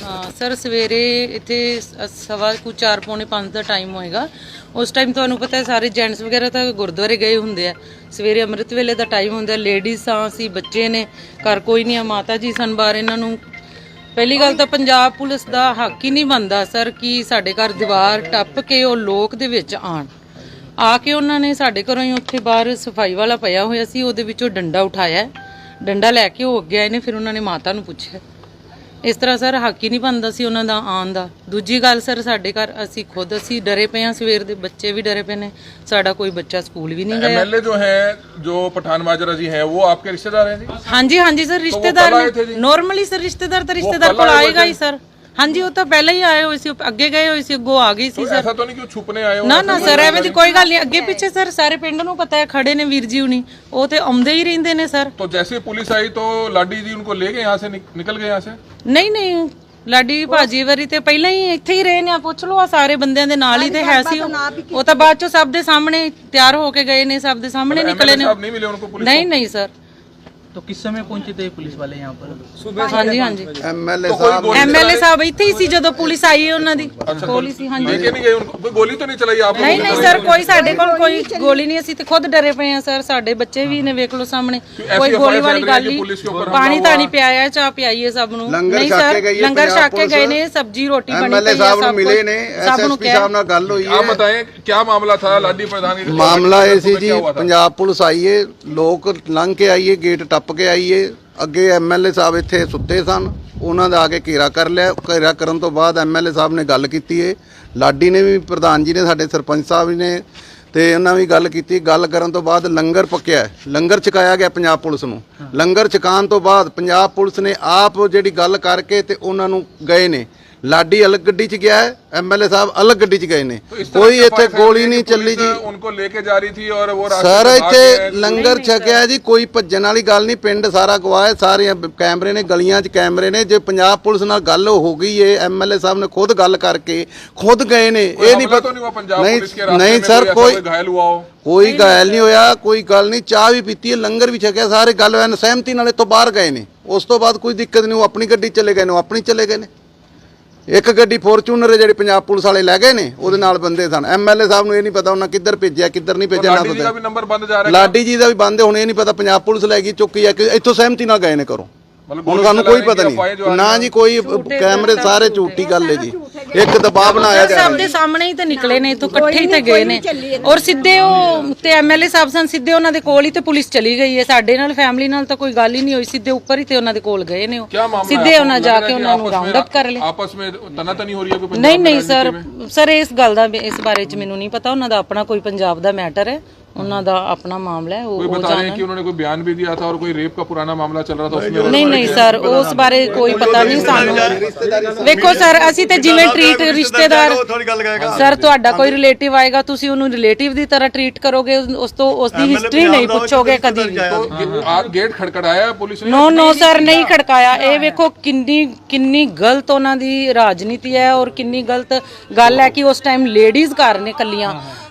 Sir ਸਵੇਰੇ ਇੱਥੇ ਸਵਾ ਕੁ 4 ਪੌਣੇ 5 ਦਾ ਟਾਈਮ ਹੋਏਗਾ। ਉਸ ਟਾਈਮ ਤੁਹਾਨੂੰ ਪਤਾ ਹੈ ਸਾਰੇ ਜੈਂਟਸ ਵਗੈਰਾ ਤਾਂ ਗੁਰਦੁਆਰੇ ਗਏ ਹੁੰਦੇ ਆ। ਸਵੇਰੇ ਅੰਮ੍ਰਿਤ ਵੇਲੇ ਦਾ ਟਾਈਮ ਹੁੰਦਾ, ਲੇਡੀਜ਼ ਆ, ਅਸੀਂ ਬੱਚੇ ਨੇ, ਘਰ ਕੋਈ ਨਹੀਂ ਆ, ਮਾਤਾ ਜੀ ਸਨ ਬਾਹਰ। ਇਹਨਾਂ ਨੂੰ ਪਹਿਲੀ ਗੱਲ ਤਾਂ ਪੰਜਾਬ ਪੁਲਿਸ ਦਾ ਹੱਕ ਹੀ ਨਹੀਂ ਬਣਦਾ ਸਰ ਕਿ ਸਾਡੇ ਘਰ ਦੀਵਾਰ ਟੱਪ ਕੇ ਉਹ ਲੋਕ ਦੇ ਵਿੱਚ ਆਣ ਆ ਕੇ ਉਹਨਾਂ ਨੇ ਸਾਡੇ ਘਰੋਂ ਹੀ ਉੱਥੇ ਬਾਹਰ ਸਫਾਈ ਵਾਲਾ ਪਿਆ ਹੋਇਆ ਸੀ, ਉਹਦੇ ਵਿੱਚੋਂ ਡੰਡਾ ਉਠਾਇਆ, ਡੰਡਾ ਲੈ ਕੇ ਉਹ ਅੱਗੇ ਆਏ ਨੇ। ਫਿਰ ਉਹਨਾਂ ਨੇ ਮਾਤਾ ਨੂੰ ਪੁੱਛਿਆ। ਇਸ ਤਰ੍ਹਾਂ ਸਰ ਹੱਕ ਹੀ ਨਹੀਂ ਬਣਦਾ ਸੀ ਉਹਨਾਂ ਦਾ ਆਉਣ ਦਾ। ਦੂਜੀ ਗੱਲ ਸਰ ਸਾਡੇ ਘਰ ਅਸੀਂ ਡਰੇ ਪਏ ਹਾਂ, ਸਵੇਰ ਦੇ ਬੱਚੇ ਵੀ ਡਰੇ ਪਏ ਨੇ, ਸਾਡਾ ਕੋਈ ਬੱਚਾ ਸਕੂਲ ਵੀ ਨਹੀਂ ਗਿਆ। एमएलए जो है जो पठान माजरा जी हैं वो आपके रिश्तेदार हैं जी? ਹਾਂਜੀ ਹਾਂਜੀ ਸਰ ਰਿਸ਼ਤੇਦਾਰ ਨੋਰਮਲੀ ਸਰ ਰਿਸ਼ਤੇਦਾਰ ਤਾਂ ਰਿਸ਼ਤੇਦਾਰ ਕੋਲ ਆਏਗਾ ਹੀ ਸਰ। ਹਾਂਜੀ ਉਹ ਤਾਂ ਪਹਿਲਾਂ ਹੀ ਆਏ ਹੋਏ ਸੀ, ਅੱਗੇ ਗਏ ਹੋਏ ਸੀ, ਅੱਗੋਂ ਆ ਗਈ ਸੀ ਸਰ। ऐसा तो नहीं कि छुपने आए हो? ਨਾ ਨਾ ਸਰ ਐਵੇਂ ਦੀ ਕੋਈ ਗੱਲ ਨਹੀਂ, ਅੱਗੇ ਪਿੱਛੇ ਸਰ ਸਾਰੇ ਪਿੰਡ ਨੂੰ ਪਤਾ ਹੈ, ਖੜੇ ਨੇ ਵੀਰ ਜੀ ਹੁਣੀ, ਉਹ ਤੇ ਆਉਂਦੇ ਹੀ ਰਹਿੰਦੇ ਨੇ ਸਰ। तो जैसे पुलिस आई तो लाडी जी उनको ले गए यहाँ से, निकल गए यहाँ से? ਨਹੀਂ ਨਹੀਂ ਲਾਡੀ ਭਾਜੀ ਵਾਰੀ ਤੇ ਪਹਿਲਾਂ ਹੀ ਇੱਥੇ ਹੀ ਰਹੇ ਨੇ, ਆ ਪੁੱਛ ਲਓ, ਆ ਸਾਰੇ ਬੰਦਿਆਂ ਦੇ ਨਾਲ ਹੀ ਤੇ ਹੈ ਸੀ ਉਹ ਤਾਂ ਬਾਅਦ ਚੋਂ ਸਭ ਦੇ ਸਾਹਮਣੇ ਤਿਆਰ ਹੋ ਕੇ ਗਏ ਨੇ, ਸਭ ਦੇ ਸਾਹਮਣੇ ਨਿਕਲੇ ਨੇ। नहीं मिले उनको पुलिस? नहीं नहीं सर। तो किस समय पहुंचे थे पुलिस वाले यहाँ पर? सुबह। हाँ जी हाँ जी एमएलए साहब ਇੱਥੇ ਹੀ ਸੀ ਜਦੋਂ ਪੁਲਿਸ ਆਈ ਹੈ ਉਹਨਾਂ ਦੀ ਕੋਲ ਹੀ ਸੀ। ਹਾਂਜੀ लेके नहीं गए उनको? कोई गोली तो नहीं चलाई आप? ਨਹੀਂ ਨਹੀਂ ਸਰ ਕੋਈ ਸਾਡੇ ਕੋਲ ਕੋਈ ਗੋਲੀ ਨਹੀਂ, ਅਸੀਂ ਤੇ ਖੁਦ ਡਰੇ ਪਏ ਆ ਸਰ। ਸਾਡੇ ਬੱਚੇ ਵੀ ਨੇ ਵੇਖ ਲਓ ਸਾਹਮਣੇ, ਕੋਈ ਗੋਲੀ ਵਾਲੀ ਗੱਲ ਨਹੀਂ। ਪਾਣੀ ਤਾਣੀ ਪਿਆਇਆ, ਚਾਹ ਪਿਆਈ ਹੈ ਸਭ ਨੂੰ। ਨਹੀਂ ਸਰ ਲੰਗਰ ਛਕ ਕੇ ਗਏ ਨੇ, ਸਬਜੀ ਰੋਟੀ ਬਣੀ ਪਈ ਹੈ, ਸਭ ਮਿਲੇ ਨੇ। ਐਸਐਸਪੀ ਸਾਹਿਬ ਨਾਲ ਗੱਲ ਹੋਈ ਹੈ। आप बताएं क्या मामला था लाडी प्रधान? ਮਾਮਲਾ ਇਹ ਸੀ ਜੀ, ਪੰਜਾਬ ਪੁਲਿਸ ਆਈਏ, ਲੋਕ ਲੰਘ ਕੇ ਆਈਏ, ਗੇਟ ਟੱਪ ਕੇ ਆਈਏ, ਅੱਗੇ ਐਮਐਲਏ ਸਾਹਿਬ ਇੱਥੇ ਸੁੱਤੇ ਸਨ, ਉਹਨਾਂ ਦਾ ਆ ਕੇ ਘੇਰਾ ਕਰ ਲਿਆ। ਘੇਰਾ ਕਰਨ ਤੋਂ ਬਾਅਦ ਐਮਐਲਏ ਸਾਹਿਬ ਨੇ ਗੱਲ ਕੀਤੀ ਏ, ਲਾਡੀ ਨੇ ਵੀ, ਪ੍ਰਧਾਨ ਜੀ ਨੇ, ਸਾਡੇ ਸਰਪੰਚ ਸਾਹਿਬ ਨੇ ਤੇ ਉਹਨਾਂ ਵੀ ਗੱਲ ਕੀਤੀ। ਗੱਲ ਕਰਨ ਤੋਂ ਬਾਅਦ ਲੰਗਰ ਪੱਕਿਆ, ਲੰਗਰ ਛਕਾਇਆ ਗਿਆ ਪੰਜਾਬ ਪੁਲਿਸ ਨੂੰ। ਲੰਗਰ ਛਕਾਉਣ ਤੋਂ ਬਾਅਦ ਪੰਜਾਬ ਪੁਲਿਸ ਨੇ ਆਪ ਜਿਹੜੀ ਗੱਲ ਕਰਕੇ ਤੇ ਉਹਨਾਂ ਨੂੰ ਗਏ ਨੇ। ਲਾਡੀ ਅਲੱਗ ਗੱਡੀ 'ਚ ਗਿਆ ਹੈ, ਐਮਐਲਏ ਸਾਹਿਬ ਅਲੱਗ ਗੱਡੀ 'ਚ ਗਏ ਨੇ। ਕੋਈ ਇੱਥੇ ਗੋਲੀ ਨਹੀਂ ਚੱਲੀ ਜੀ। उनको लेके जा रही थी और वो ਸਰ ਇੱਥੇ ਲੰਗਰ ਛਕਿਆ ਜੀ, ਕੋਈ ਭੱਜਣ ਵਾਲੀ ਗੱਲ ਨਹੀਂ। ਪਿੰਡ ਸਾਰਾ ਗਵਾਹ ਹੈ, ਸਾਰੇ ਕੈਮਰੇ ਨੇ, ਗਲੀਆਂ 'ਚ ਕੈਮਰੇ ਨੇ। ਜੇ ਪੰਜਾਬ ਪੁਲਿਸ ਨਾਲ ਗੱਲ ਹੋ ਗਈ ਏ, ਐਮਐਲਏ ਸਾਹਿਬ ਨੇ ਖੁਦ ਗੱਲ ਕਰਕੇ ਖੁਦ ਗਏ ਨੇ। ਇਹ ਨਹੀਂ ਪਤਾ ਨਹੀਂ ਸਰ ਕੋਈ घायल हुआ हो? ਕੋਈ ਘਾਇਲ ਨਹੀਂ ਹੋਇਆ, ਕੋਈ ਗੱਲ ਨਹੀਂ। ਚਾਹ ਵੀ ਪੀਤੀ ਹੈ, ਲੰਗਰ ਵੀ ਛਕਿਆ, ਸਾਰੇ ਗੱਲ ਹੋਇਆ, ਸਹਿਮਤੀ ਨਾਲ ਇੱਥੋਂ ਬਾਹਰ ਗਏ ਨੇ। ਉਸ ਤੋਂ ਬਾਅਦ ਕੋਈ ਦਿੱਕਤ ਨਹੀਂ, ਉਹ ਆਪਣੀ ਗੱਡੀ ਚਲੇ ਗਏ ਨੇ, ਉਹ ਆਪਣੀ ਚਲੇ ਗਏ ਨੇ। ਇੱਕ ਗੱਡੀ ਫੋਰਚੂਨਰ ਜਿਹੜੀ ਪੰਜਾਬ ਪੁਲਿਸ ਵਾਲੇ ਲੈ ਗਏ ਨੇ, ਉਹਦੇ ਨਾਲ ਬੰਦੇ ਸਨ। ਐਮਐਲਏ ਸਾਹਿਬ ਨੂੰ ਇਹ ਨਹੀਂ ਪਤਾ ਉਹਨਾਂ ਕਿੱਧਰ ਭੇਜਿਆ, ਕਿੱਧਰ ਨਹੀਂ ਭੇਜਿਆ, ਨਾ ਪਤਾ। ਲਾਡੀ ਜੀ ਦਾ ਵੀ ਬੰਦ, ਹੁਣ ਇਹ ਨਹੀਂ ਪਤਾ ਪੰਜਾਬ ਪੁਲਿਸ ਲੈ ਗਈ ਚੁੱਕੀ ਹੈ ਕਿ ਇੱਥੋਂ ਸਹਿਮਤੀ ਨਾਲ ਗਏ ਨੇ ਕਰੋ। ਹੁਣ ਸਾਨੂੰ ਕੋਈ ਪਤਾ ਨਹੀਂ ਨਾ ਜੀ, ਕੋਈ ਕੈਮਰੇ ਸਾਰੇ ਝੂਠੀ ਗੱਲ ਹੈ ਜੀ। ਇੱਕ ਦਬਾਅ ਬਣਾਇਆ ਜਾ ਰਿਹਾ। ਸਭ ਦੇ ਸਾਹਮਣੇ ਹੀ ਤਾਂ ਨਿਕਲੇ ਨੇ, ਇੱਥੋਂ ਇਕੱਠੇ ਹੀ ਤੇ ਗਏ ਨੇ। ਔਰ ਸਿੱਧੇ ਉਹ ਤੇ ਐਮਐਲਏ ਸਾਹਿਬ ਸਨ, ਸਿੱਧੇ ਉਹਨਾਂ ਦੇ ਕੋਲ ਹੀ ਤੇ ਪੁਲਿਸ ਚਲੀ ਗਈ ਹੈ। ਸਾਡੇ ਨਾਲ ਫੈਮਿਲੀ ਨਾਲ ਤਾਂ ਕੋਈ ਗੱਲ ਹੀ ਨਹੀਂ ਹੋਈ, ਸਿੱਧੇ ਉੱਪਰ ਹੀ ਤੇ ਉਹਨਾਂ ਦੇ ਕੋਲ ਗਏ ਨੇ। ਉਹ ਸਿੱਧੇ ਉਹਨਾਂ ਜਾ ਕੇ ਉਹਨਾਂ ਨੂੰ ਰਾਉਂਡ ਅਪ ਕਰ ਲਿਆ। ਆਪਸ ਵਿੱਚ ਤਨਾਤਨੀ ਹੋ ਰਹੀ ਹੈ ਕੋਈ? ਨਹੀਂ ਨਹੀਂ ਸਰ ਇਸ ਗੱਲ ਦਾ, ਇਸ ਬਾਰੇ ਚ ਮੈਨੂੰ ਨਹੀਂ ਪਤਾ। ਉਹਨਾਂ ਦਾ ਆਪਣਾ ਕੋਈ ਪੰਜਾਬ ਦਾ ਮੈਟਰ ਹੈ, ਉਹਨਾਂ ਦਾ ਆਪਣਾ ਮਾਮਲਾ ਹੈ। ਉਹ बता रहे हैं कि उन्होंने कोई बयान भी दिया था और कोई रेप का पुराना मामला चल रहा था उसमें? ਨਹੀਂ ਨਹੀਂ ਸਰ ਉਸ ਬਾਰੇ ਕੋਈ ਪਤਾ ਨਹੀਂ ਸਾਨੂੰ। ਵੇਖੋ ਸਰ ਅਸੀਂ ਤੇ ਜਿਵੇਂ ਟ੍ਰੀਟ ਰਿਸ਼ਤੇਦਾਰ, ਸਰ ਤੁਹਾਡਾ ਕੋਈ ਰਿਲੇਟਿਵ ਆਏਗਾ, ਤੁਸੀਂ ਉਹਨੂੰ ਰਿਲੇਟਿਵ ਦੀ ਤਰ੍ਹਾਂ ਟ੍ਰੀਟ ਕਰੋਗੇ, ਉਸ ਤੋਂ ਉਸਦੀ ਹਿਸਟਰੀ ਨਹੀਂ ਪੁੱਛੋਗੇ ਕਦੀ ਵੀ। गेट खड़खड़ाया पुलिस ने? ਨੋ ਸਰ ਨਹੀਂ ਖੜਕਾਇਆ। ਇਹ ਵੇਖੋ ਕਿੰਨੀ ਗਲਤ ਉਹਨਾਂ ਦੀ ਰਾਜਨੀਤੀ ਹੈ ਔਰ ਕਿੰਨੀ ਗਲਤ ਗੱਲ ਹੈ ਕਿ ਉਸ ਟਾਈਮ ਲੇਡੀਜ਼ ਘਰ ਨੇ ਕੱਲੀਆਂ,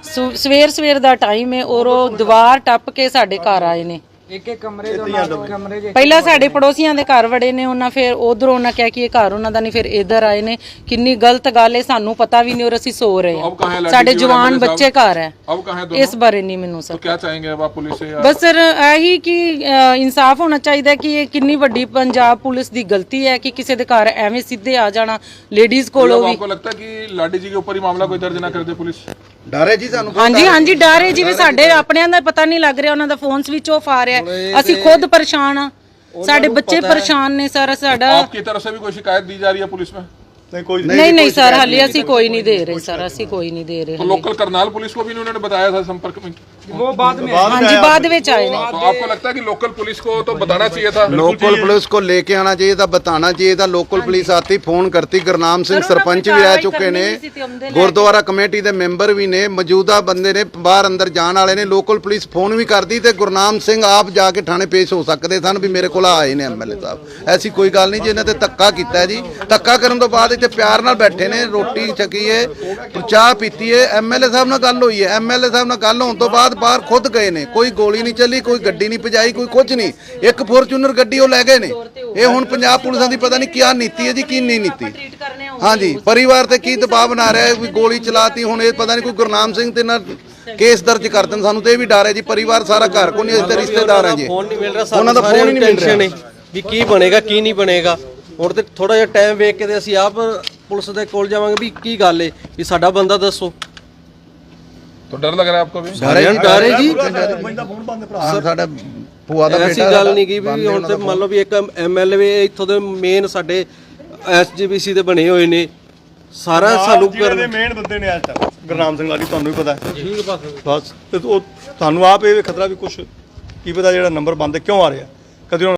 ਸਵੇਰ ਦਾ ਟਾਈਮ ਹੈ ਔਰ ਉਹ ਦੀਵਾਰ ਟੱਪ ਕੇ ਸਾਡੇ ਘਰ ਆਏ ਨੇ। एक कमरे ਪਹਿਲਾਂ ਸਾਡੇ ਪੜੋਸੀਆਂ ਦੇ ਘਰ ਵੜੇ ਨੇ, ਉਹਨਾਂ ਫਿਰ ਉਧਰੋਂ ਉਹਨਾਂ ਕਿਹਾ ਕਿ ਇਹ ਘਰ ਉਹਨਾਂ ਦਾ ਨਹੀਂ, ਫਿਰ ਇੱਧਰ ਆਏ ਨੇ। ਕਿੰਨੀ ਗਲਤ ਗੱਲ ਹੈ, ਸਾਨੂੰ ਪਤਾ ਵੀ ਨਹੀਂ ਔਰ ਅਸੀਂ ਸੋ ਰਹੇ ਹਾਂ, ਸਾਡੇ ਜਵਾਨ ਬੱਚੇ ਘਰ ਹੈ। ਇਸ ਬਾਰੇ ਨਹੀਂ ਮੈਨੂੰ ਸਰ। क्या चाहेंगे अब आप पुलिस से? ਬਸ ਸਰ ਇਹੀ ਕਿ ਇਨਸਾਫ ਹੋਣਾ ਚਾਹੀਦਾ ਕਿ ਇਹ ਕਿੰਨੀ ਵੱਡੀ ਪੰਜਾਬ ਪੁਲਿਸ ਦੀ ਗਲਤੀ ਹੈ ਕਿ ਕਿਸੇ ਦੇ ਘਰ ਐਵੇਂ ਸਿੱਧੇ ਆ ਜਾਣਾ ਲੇਡੀਜ਼ ਕੋਲੋਂ ਵੀ। आपको लगता है कि लाडी जी के ऊपर ही मामला कोई दर्ज ना कर दे पुलिस? ਡਰੇ ਜੀ ਸਾਨੂੰ। ਹਾਂਜੀ ਹਾਂਜੀ ਡਰ ਹੈ, ਜਿਵੇਂ ਸਾਡੇ ਆਪਣਿਆਂ ਦਾ ਪਤਾ ਨਹੀਂ ਲੱਗ ਰਿਹਾ, ਉਹਨਾਂ ਦਾ ਫੋਨ ਸਵਿਚ ਆਫ ਆ ਰਿਹਾ, ਅਸੀਂ ਖੁਦ ਪਰੇਸ਼ਾਨ ਆ, ਸਾਡੇ ਬੱਚੇ ਪਰੇਸ਼ਾਨ ਨੇ ਸਰ। ਸਾਡਾ आपकी तरफ से भी कोई शिकायत दी जा रही है पुलिस में? नहीं सर हाले ਅਸੀਂ ਕੋਈ ਨਹੀਂ ਦੇ ਰਹੇ सर, ਅਸੀਂ ਕੋਈ नहीं दे रहे। तो लोकल करनाल पुलिस को भी उन्होंने बताया था संपर्क में? वो बाद में ਹਾਂਜੀ ਬਾਅਦ ਵਿੱਚ ਆਏ ਨੇ। तो आपको लगता है कि लोकल पुलिस को तो बताना चाहिए था? लोकल पुलिस को लेके आना चाहिए था, बताना चाहिए था। लोकल पुलिस आती, फोन करती। गुरनाम सिंह सरपंच भी आ चुके ने, गुरुद्वारा कमेटी के मैंबर भी ने, मौजूदा बंदे ने, बाहर अंदर जाने वाले ने। लोकल पुलिस फोन भी करती तो गुरनाम सिंह आप जाके थाने पेश हो सकते सन भी मेरे को आए ने एमएलए साहब। ऐसी कोई गल नहीं जी, इन्हें धक्का किया जी। धक्का करने तो बाद इतने प्यार नाल बैठे ने, रोटी छकी है, चाह पीती है। एमएलए साहब नाल गल हुई है, एमएलए साहब नाल गल होने तो बाद ਬਾਅਦ ਬਾਹਰ ਖੁਦ ਗਏ ਨੇ, ਕੋਈ ਗੋਲੀ ਨਹੀਂ ਚੱਲੀ, ਕੋਈ ਗੱਡੀ ਨਹੀਂ ਭਜਾਈ, ਕੋਈ ਕੁਝ ਨਹੀਂ। ਇੱਕ ਫੋਰਚੂਨਰ ਗੱਡੀ ਉਹ ਲੈ ਗਏ ਨੇ। ਇਹ ਹੁਣ ਪੰਜਾਬ ਪੁਲਿਸਾਂ ਦੀ ਪਤਾ ਨਹੀਂ ਕੀ ਨੀਤੀ ਹੈ ਜੀ, ਕੀ ਨਹੀਂ ਨੀਤੀ। ਹਾਂਜੀ, ਪਰਿਵਾਰ ਤੇ ਕੀ ਦਬਾਅ ਬਣਾ ਰਿਹਾ ਹੈ ਵੀ ਗੋਲੀ ਚਲਾਤੀ। ਹੁਣ ਇਹ ਪਤਾ ਨਹੀਂ ਕੋਈ ਗੁਰਨਾਮ ਸਿੰਘ ਤੇ ਨਾ ਕੇਸ ਦਰਜ ਕਰ ਦੇਣ, ਸਾਨੂੰ ਤੇ ਇਹ ਵੀ ਡਰ ਹੈ ਜੀ। ਪਰਿਵਾਰ ਸਾਰਾ ਘਰ ਕੋ ਨਹੀਂ, ਅਸੀਂ ਰਿਸ਼ਤੇਦਾਰ ਹਾਂ ਜੀ। ਫੋਨ ਨਹੀਂ ਮਿਲ ਰਿਹਾ, ਉਹਨਾਂ ਦਾ ਫੋਨ ਹੀ ਨਹੀਂ ਮਿਲ ਰਿਹਾ ਵੀ ਕੀ ਬਣੇਗਾ ਕੀ ਨਹੀਂ ਬਣੇਗਾ। ਹੁਣ ਤੇ ਥੋੜਾ ਜਿਹਾ ਟਾਈਮ ਵੇਖ ਕੇ ਤੇ ਅਸੀਂ ਆਪ ਪੁਲਿਸ ਦੇ ਕੋਲ ਜਾਵਾਂਗੇ ਵੀ ਕੀ ਗੱਲ ਹੈ, ਵੀ ਸਾਡਾ ਬੰਦਾ ਦੱਸੋ। तो डर लग रहा है आपको भी? ਡਰ ਹੈ ਜੀ। ਸਾਡਾ ਭੂਆ ਦਾ ਐਸੀ ਬੇਟਾ ਗੱਲ ਨਹੀਂ ਕੀ ਵੀ ਹੁਣ ਤੇ ਮੰਨ ਲਓ ਵੀ ਇੱਕ ਐਮਐਲਏ ਇੱਥੋਂ ਦੇ ਮੇਨ ਸਾਡੇ ਐਸਜੀਪੀਸੀ ਦੇ ਬਣੇ ਹੋਏ ਨੇ, ਸਾਰਾ ਸਾਨੂੰ ਜਿਹੜੇ ਮੇਨ ਬੰਦੇ ਨੇ ਅੱਜ ਤੱਕ ਗੁਰਨਾਮ ਸਿੰਘ ਲਾਲੀ, ਤੁਹਾਨੂੰ ਵੀ ਪਤਾ ਹੈ ਬਸ। ਤੇ ਉਹ ਤੁਹਾਨੂੰ ਆਪ ਇਹ ਖਤਰਾ ਵੀ ਕੁਛ ਕੀ ਪਤਾ ਜਿਹੜਾ ਨੰਬਰ ਬੰਦ ਕਿਉਂ ਆ ਰਿਹਾ ਕਦੇ